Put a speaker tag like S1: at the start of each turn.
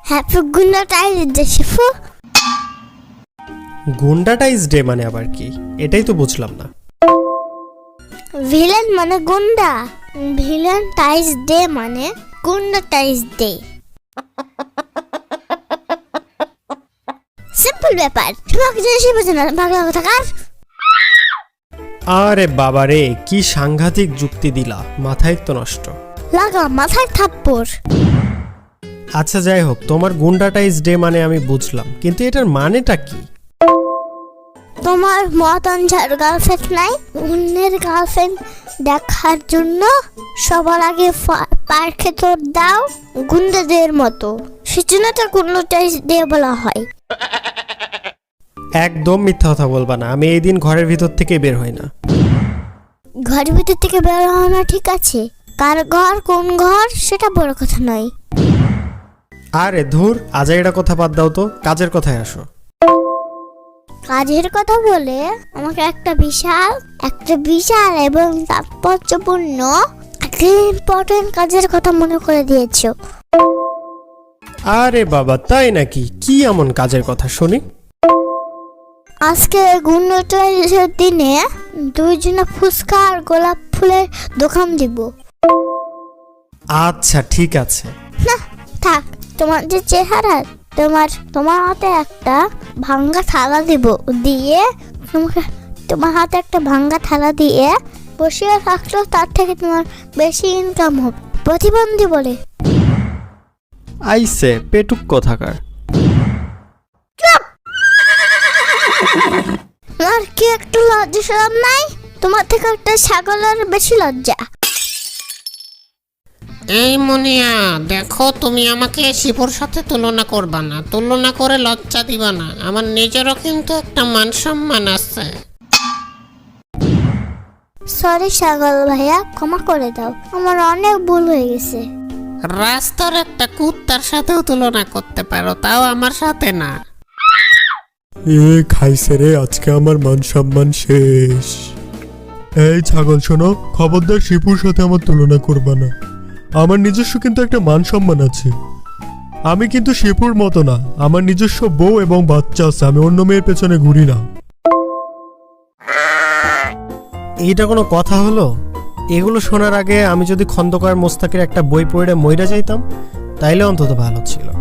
S1: Happy গুন্ডাটাইজ day শিফু।
S2: গুন্ডাটাইজ ডে মানে আবার কি? এটাই তো বুঝলাম না।
S1: ভিলেন মানে গুন্ডা, ভিলেন টাইজ ডে মানে গুন্ডাটাইজ ডে। সিম্পল ব্যাপার, তোমাকে জিনিসই বোঝে না বাংলা কথা কার।
S2: আরে বাবা রে, কি সাংঘাতিক যুক্তি দিলা, মাথায় তো নষ্ট।
S1: লাগা মাথায় থাপ্পড়।
S2: আচ্ছা যাই হোক, তোমার গুন্ডাটাইজ ডে মানে আমি বুঝলাম, কিন্তু এটার মানেটা কি?
S1: তোমার মতন যার গার্লফ্রেন্ড নাই, অন্যের গার্লফ্রেন্ড দেখার জন্য সবার আগে পার্কে তোর দাও গুন্ডাদের মতো, সেজন্য তো গুন্ডাটাইজ ডে বলা হয়।
S2: একদম মিথ্যা কথা বলবা না, আমি এই দিন ঘরের ভিতর থেকে বের হই না।
S1: ঘরের ভিতর থেকে বের হওয়া না ঠিক আছে, কার ঘর কোন ঘর সেটা বড় কথা নয়।
S2: আরে ধুর, আজাইরা কথা বাদ দাও তো, কাজের কথায় আসো।
S1: কাজের কথা বলে আমাকে একটা বিশাল এবং তাৎপর্যপূর্ণ একটা ইম্পর্টেন্ট কাজের কথা মনে করে দিয়েছো।
S2: আরে বাবা, তাই নাকি? কি এমন কাজের কথা শুনি?
S1: আজকে গুন্ডাটাইজের দিনে দুইজনে ফুচকা আর গোলাপ ফুলের দোকান দিব।
S2: আচ্ছা ঠিক আছে।
S1: না থাক, তোমার যে চেহারা, তোমার হাতে একটা ভাঙ্গা থালা দিব, দিয়ে তোমার হাতে একটা ভাঙ্গা থালা দিয়ে বসিয়ে রাখলো, তার থেকে তোমার বেশি ইনকাম হবে। প্রতিবন্ধী বলে
S2: আইসে পেটুক কথাকার।
S1: আর কি একটু লজ্জা শরম নাই? তোমার থেকে একটা ছাগলের বেশি লজ্জা।
S3: এই মুনিয়া, দেখো তুমি আমাকে শিপুর সাথে তুলনা করবা না, তুলনা করে লজ্জা দিবা না। আমার নিজেরও কিন্তু একটা মান সম্মান আছে।
S1: সরি ছাগল ভাইয়া, ক্ষমা করে দাও, আমার অনেক ভুল হয়ে গেছে।
S3: রাস্তার একটা কুত্তার সাথেও তুলনা করতে পারো, তাও আমার সাথে না।
S4: এ খাইছে রে, আজকে আমার মান সম্মান শেষ। এই ছাগল শোনো, খবরদার শিপুর সাথে আমার তুলনা করবা না। আমার নিজস্ব কিন্তু একটা মান সম্মান আছে। আমি কিন্তু শিপুর মতো না, আমার নিজস্ব বউ এবং বাচ্চা আছে, আমি অন্য মেয়ের পেছনে ঘুরি না।
S2: এইটা কোনো কথা হলো? এগুলো শোনার আগে আমি যদি খন্দকার মোস্তাকের একটা বই পড়ে মইরা যাইতাম, তাইলে অন্তত ভালো ছিল।